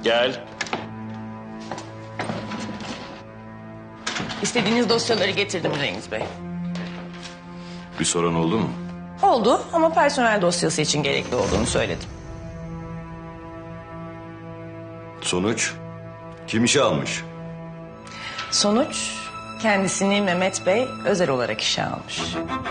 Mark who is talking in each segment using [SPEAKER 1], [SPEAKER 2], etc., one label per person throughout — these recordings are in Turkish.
[SPEAKER 1] Gel.
[SPEAKER 2] İstediğiniz dosyaları getirdim Cengiz Bey.
[SPEAKER 1] Bir sorun oldu mu?
[SPEAKER 2] Oldu ama personel dosyası için gerekli olduğunu söyledim.
[SPEAKER 1] Sonuç? Kim işe almış?
[SPEAKER 2] Sonuç kendisini Mehmet Bey özel olarak işe almış.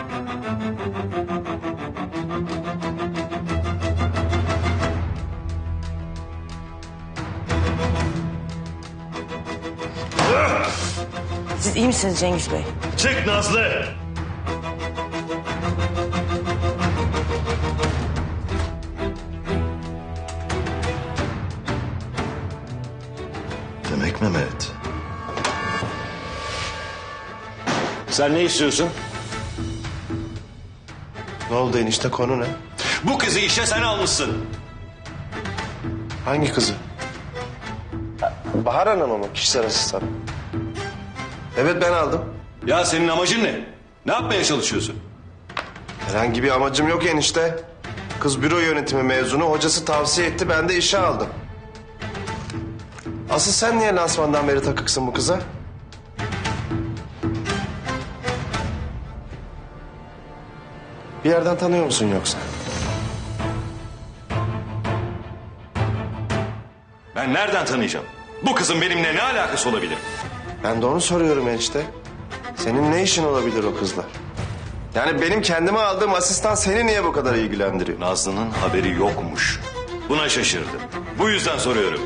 [SPEAKER 2] Siz iyi misiniz Cengiz Bey?
[SPEAKER 1] Çık Nazlı! Demek Mehmet. Sen ne istiyorsun?
[SPEAKER 3] Ne oldu enişte, konu ne?
[SPEAKER 1] Bu kızı işe sen almışsın.
[SPEAKER 3] Hangi kızı? Bahar Hanım'ı mı? Kişisel asistan. Evet, ben aldım.
[SPEAKER 1] Ya senin amacın ne? Ne yapmaya çalışıyorsun?
[SPEAKER 3] Herhangi bir amacım yok enişte. Kız büro yönetimi mezunu, hocası tavsiye etti, ben de işe aldım. Asıl sen niye lansmandan beri takıksın bu kıza? Bir yerden tanıyor musun yoksa?
[SPEAKER 1] Ben nereden tanıyacağım? Bu kızın benimle ne alakası olabilir?
[SPEAKER 3] Ben de onu soruyorum enişte. Senin ne işin olabilir o kızla? Yani benim kendime aldığım asistan seni niye bu kadar ilgilendiriyor?
[SPEAKER 1] Nazlı'nın haberi yokmuş. Buna şaşırdım. Bu yüzden soruyorum.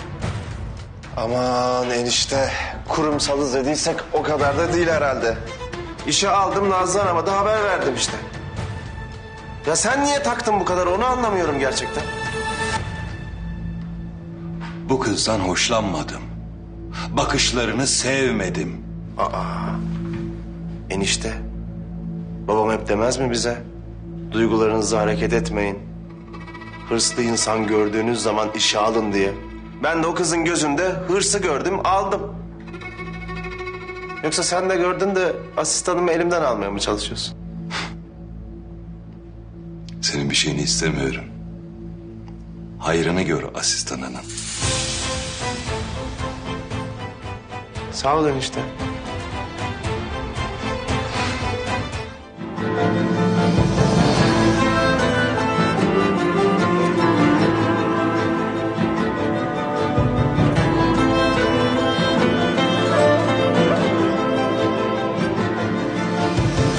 [SPEAKER 3] Aman enişte, kurumsalız dediysek o kadar da değil herhalde. İşe aldım, Nazlı Hanım'a da haber verdim işte. Ya sen niye taktın bu kadar, onu anlamıyorum gerçekten.
[SPEAKER 1] Bu kızdan hoşlanmadım. Bakışlarını sevmedim.
[SPEAKER 3] Enişte, babam hep demez mi bize? Duygularınızla hareket etmeyin. Hırslı insan gördüğünüz zaman işe alın diye. Ben de o kızın gözünde hırsı gördüm, aldım. Yoksa sen de gördün de asistanımı elimden almaya mı çalışıyorsun?
[SPEAKER 1] Senin bir şeyini istemiyorum. Hayrını gör asistanının.
[SPEAKER 3] Sağ ol enişte.